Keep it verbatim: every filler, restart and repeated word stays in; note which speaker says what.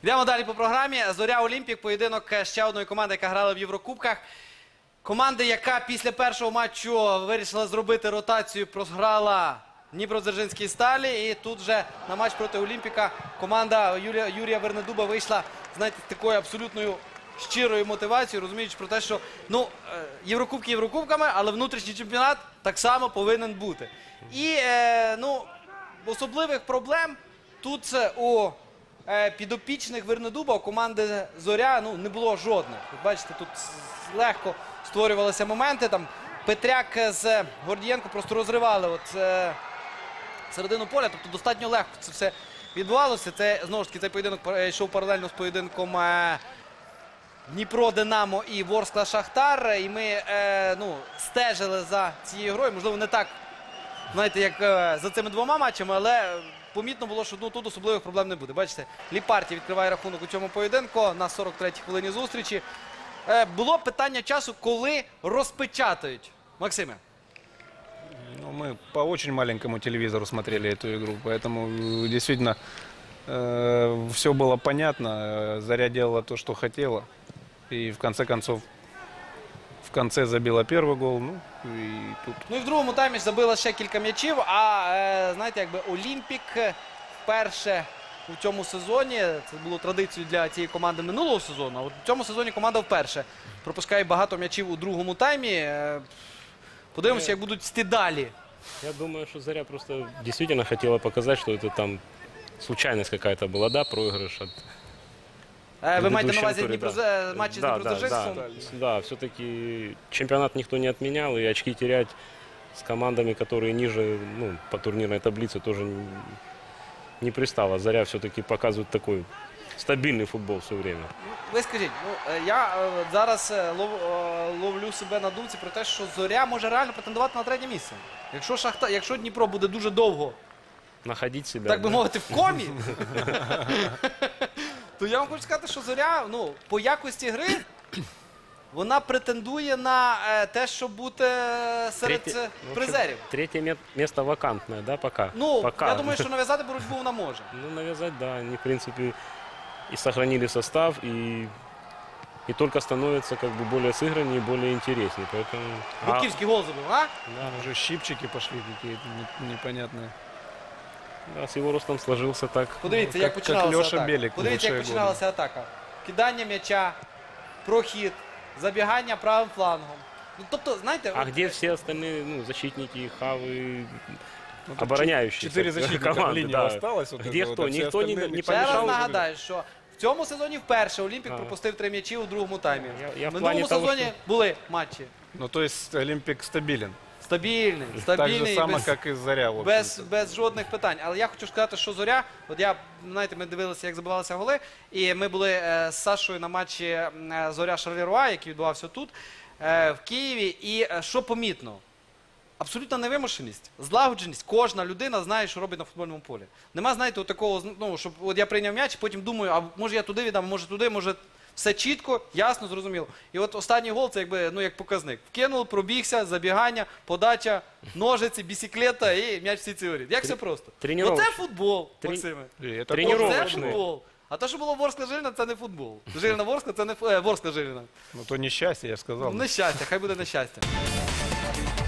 Speaker 1: Йдемо далі по програмі. Зоря Олімпік, поєдинок ще одної команди, яка грала в Єврокубках. Команда, яка після першого матчу вирішила зробити ротацію, програла Дніпродзержинській Сталі. І тут вже на матч проти Олімпіка команда Юрія, Юрія Вернедуба вийшла, знаєте, з такою абсолютною щирою мотивацією, розуміючи про те, що ну, Єврокубки Єврокубками, але внутрішній чемпіонат так само повинен бути. І е, ну, особливих проблем тут у е, підопічних Вернедуба, у команди Зоря, ну, не було жодних. Ви бачите, тут легко створювалися моменти. Там Петряк з Гордієнко просто розривали от, е, середину поля, тобто достатньо легко це все відбувалося. Це, знову ж таки, цей поєдинок йшов паралельно з поєдинком е, Дніпро-Динамо і Ворскла-Шахтар. І ми е, ну, стежили за цією грою. Можливо, не так, знаєте, як е, за цими двома матчами, але помітно було, що ну, тут особливих проблем не буде. Бачите, Ліпарті відкриває рахунок у цьому поєдинку на сорок третій хвилині зустрічі. Е, було питання часу, коли розпечатають. Максиме.
Speaker 2: Ну, мы по очень маленькому телевизору смотрели эту игру, поэтому действительно э, все было понятно. Заря делала то, что хотела. И в конце концов, в конце забила первый гол. Ну, и тут...
Speaker 1: Ну і в другому таймі забила ще кілька м'ячів, а е, знаєте, якби Олімпік вперше у цьому сезоні, це було традицією для цієї команди минулого сезону, а от у цьому сезоні команда вперше пропускає багато м'ячів у другому таймі. Е, подивимося, як будуть йти далі.
Speaker 3: Я думаю, что Заря просто действительно хотела показать, что это там случайность какая-то была, да, проигрыш от...
Speaker 1: Е, ви маєте на
Speaker 3: предыдущем
Speaker 1: увазі
Speaker 3: туре,
Speaker 1: Дніпро...
Speaker 3: да.
Speaker 1: матчі з
Speaker 3: Да, да,
Speaker 1: Дніпродзержинськом?
Speaker 3: да, да, все-таки чемпионат никто не отменял, и очки терять с командами, которые ниже, ну, по турнирной таблице, тоже не, не пристало. Заря все-таки показывает такой стабильный футбол все время.
Speaker 1: Ви скажіть, ну, е, я е, зараз е, лов, е, ловлю себе на думці про те, що Зоря може реально претендувати на третє місце. Якщо, Шахта... Якщо Дніпро буде дуже довго,
Speaker 3: Находить себя.
Speaker 1: так би
Speaker 3: да.
Speaker 1: мовити, в комі, то я вам хочу сказати, що Зоря, ну, по якості гри, вона претендує на е, те, щоб бути серед
Speaker 3: Третє-
Speaker 1: е,
Speaker 3: в общем,
Speaker 1: призерів.
Speaker 3: Третье ме- место вакантное, да, пока?
Speaker 1: Ну,
Speaker 3: пока.
Speaker 1: я думаю, що нав'язати боротьбу вона може.
Speaker 3: Ну, навязать, да. Они, в принципе, и сохранили состав, и, и только становятся как бы более сыграннее, более интереснее. Поэтому... А,
Speaker 1: Буківський гол забив, а?
Speaker 3: да,
Speaker 2: Уже щипчики пошли какие-то не- непонятные.
Speaker 3: да, с его ростом сложился так.
Speaker 1: Подивіться,
Speaker 2: Ну,
Speaker 1: як
Speaker 2: як-
Speaker 1: починалася
Speaker 2: як Льоша
Speaker 1: атака.
Speaker 2: Белік в
Speaker 1: Подивіться, як
Speaker 2: лучшие
Speaker 1: починалася атака. Кидання м'яча, прохід, забігання правим флангом. Ну, тобто, знаєте,
Speaker 3: А
Speaker 1: от,
Speaker 3: где все остальные, ну, защитники, хавы,
Speaker 2: Ну, тут
Speaker 3: обороняющие?
Speaker 2: Четыре защитника в линии
Speaker 3: да.
Speaker 2: осталось. Вот
Speaker 3: Где
Speaker 2: это
Speaker 3: кто?
Speaker 2: вот, а все
Speaker 3: Никто не-
Speaker 2: остальные
Speaker 3: не
Speaker 1: ще раз
Speaker 3: помішав?
Speaker 1: нагадаю, що в цьому сезоні вперше Олімпік
Speaker 3: А.
Speaker 1: пропустив три м'ячі у другому таймі.
Speaker 3: Я- я
Speaker 1: В
Speaker 3: в
Speaker 1: минулому
Speaker 3: плані того,
Speaker 1: сезоні
Speaker 3: що-
Speaker 1: були матчі.
Speaker 2: Ну, то есть Олимпик стабилен.
Speaker 1: Стабільний,
Speaker 2: Так же
Speaker 1: стабільний,
Speaker 2: само,
Speaker 1: без,
Speaker 2: как и Заря, в
Speaker 1: без,
Speaker 2: общем-то.
Speaker 1: без жодних питань. Але я хочу сказати, що Зоря, от я, знаєте, ми дивилися, як забивалися голи, і ми були е, з Сашою на матчі е, Зоря-Шарлеруа, який відбувався тут, е, в Києві, і е, що помітно? Абсолютна невимушеність, злагодженість. Кожна людина знає, що робить на футбольному полі. Нема, знаєте, от такого, ну, щоб от я прийняв м'яч, потім думаю, а може я туди віддам, може туди, може все чітко, ясно, зрозуміло. І от останній гол, це якби, ну, як показник. Вкинув, пробігся, забігання, подача, ножиці, бісіклета і м'яч всі ці воріт. Як все просто.
Speaker 3: тренувач-
Speaker 1: Оце футбол,
Speaker 3: Трен-
Speaker 1: Максиме.
Speaker 2: И это
Speaker 3: Тренировочный.
Speaker 1: Оце футбол. А те, що було Ворскла-Жиліна, це не футбол. Жиліна-Ворскла, це не фу- е, Ворскла-Жиліна.
Speaker 2: Ну, то нещастье, я сказал.
Speaker 1: Нещастя, хай буде нещастя.